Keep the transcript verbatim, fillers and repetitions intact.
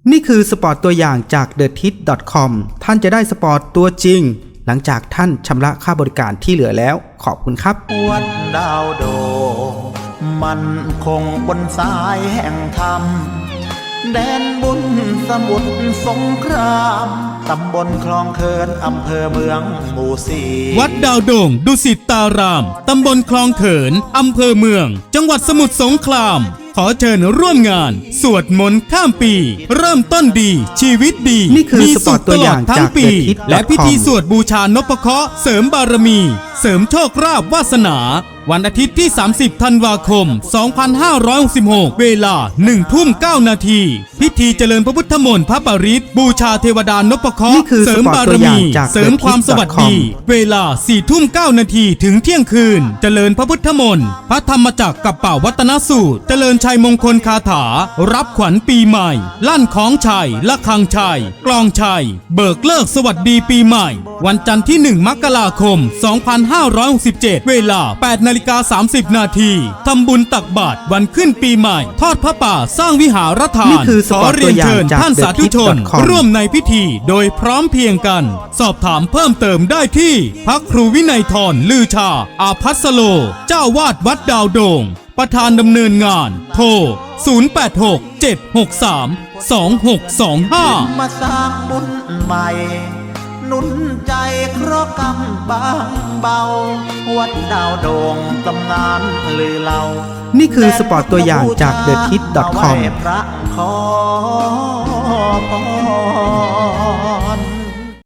นี่คือสปอร์ตตัวอย่างจาก เดอะทิส ดอท คอม ท่านจะได้สปอร์ตตัวจริงหลังจากท่านชำระค่าบริการที่เหลือแล้วขอบคุณครับวัดดาวโดมันคงบนสายแห่งธรรมแดนบุญสมุทรสงครามตำบลคลองเคินอำเภอเมืองหมู่สี่วัดดาวโด่งดุสิตตารามตำบลคลองเขินอำเภอเมืองจังหวัดสมุทรสงครามขอเชิญร่วมงานสวดมนต์ข้ามปีเริ่มต้นดีชีวิตดีนี่คือสปอร์ตตัวอย่างจาก เดอะทิส ดอท คอมและพิธีสวดบูชานพเคราะห์เสริมบารมีเสริมโชคลาภวาสนาวันอาทิตย์ที่สามสิบธันวาคมสองพันห้าร้อยหกสิบหกเวลาหนึ่งทุ่มเก้านาทีพิธีเจริญพระพุทธมนต์พระปริตรบูชาเทวดานพเคราะห์เสริมบารมีเสริมความสวัสดีเวลาสี่ทุ่มเก้านาทีถึงเที่ยงคืนเจริญพระพุทธมนต์พระธรรมจักรกับเป่าวัฒนสูตรเจริญชัยมงคลคาถารับขวัญปีใหม่ลั่นของชัยละฆังชัยกลองชัยเบิกเลิกสวัสดีปีใหม่วันจันทร์ที่หนึ่งมกราคมสองพันห้าร้อยหกสิบเจ็ดเวลาแปดนาฬิกาสามสิบนาทีทำบุญตักบาตรวันขึ้นปีใหม่ทอดพระป่าสร้างวิหารทานขอเรียนเชิญท่านสาธุชนร่วมในพิธีโดยพร้อมเพียงกันสอบถามเพิ่มเติมได้ที่พระครูวินัยธรลือชาอาภัสโลเจ้าวาดวัดดาวโด่งประธานดำเนินงานโทรศูนย์ แปด หก เจ็ด หก สาม สอง หก สอง ห้ามาสร้างบุญใหม่หนุนใจเคราะห์กรรมบางเบาวัดดาวโด่งตำนานลือเล่านี่คือสปอร์ตตัวอย่างจาก เดอะทิส ดอท คอมพระขอพร